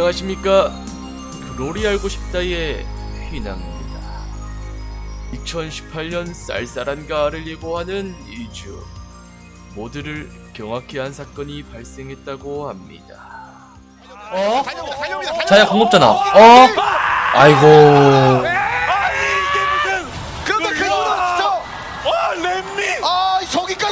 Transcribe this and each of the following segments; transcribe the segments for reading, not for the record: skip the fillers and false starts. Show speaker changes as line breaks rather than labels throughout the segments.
안녕하십니까. 글로리 알고 싶다의 휘낭입니다. 2018년 쌀쌀한 가을을 예고하는 2주, 모두를 경악케 한 사건이 발생했다고 합니다.
자야 공급잖아. 아이고.
이게 무슨
그런데 그거는 진짜 렘미 저기까지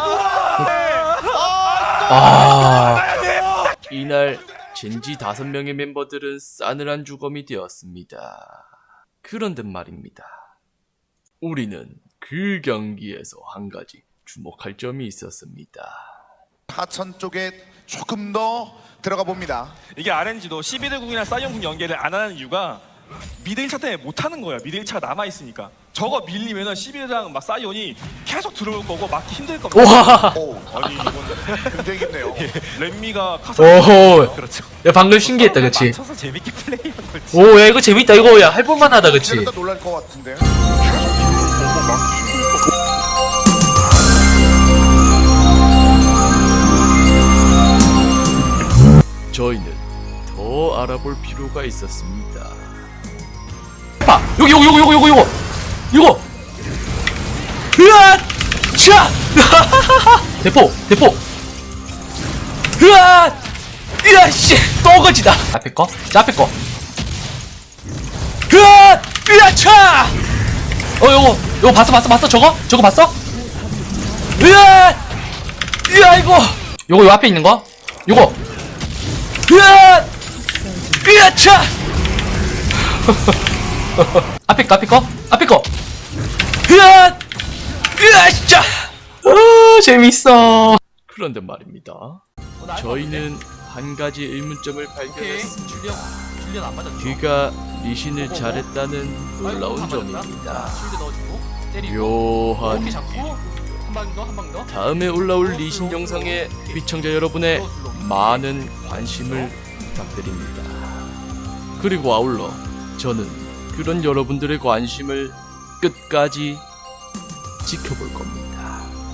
이날 젠지 5명의 멤버들은 싸늘한 주검이 되었습니다. 그런데 말입니다. 우리는 그 경기에서 한 가지 주목할 점이 있었습니다.
하천 쪽에 조금 더 들어가 봅니다.
이게 RNG도 11대국이나 사이언국 연계를 안 하는 이유가 미드 1차 때문에 못 하는 거야. 미드 1차가 남아 있으니까. 저거 밀리면은 11대랑 막 사이언이 계속 들어올 거고 막기 힘들 겁니다.
와.
오,
아니 이건
굉장히 깊네요.
렘미가 카사.
오호.
그렇죠.
야 방금 신기했다, 그치?
맞춰서 재밌게 플레이한 거지.
오, 야 이거 재밌다. 이거 야 해볼만하다, 그치?
이제는 더 놀랄 것 같은데.
저희는 더 알아볼 필요가 있었습니다.
봐, 여기. 으아, 차. 대포. 으아, 씨, 떠거지다. 앞에 거, 앞에 거. 으아, 차. 요거 봤어? 저거 봤어? 으아, 이거 요 앞에 있는 거? 요거. 으아, 차. 앞에 거. 으아, 짜. 재밌어.
그런데 말입니다. 저희는 한 가지 의문점을 발견했습니다. 그가 리신을 잘했다는 놀라운 점입니다. 묘한 다음에 올라올 리신 영상에 시청자 여러분의 많은 관심을 부탁드립니다. 그리고 아울러 저는 그런 여러분들의 관심을 끝까지 지켜볼 겁니다.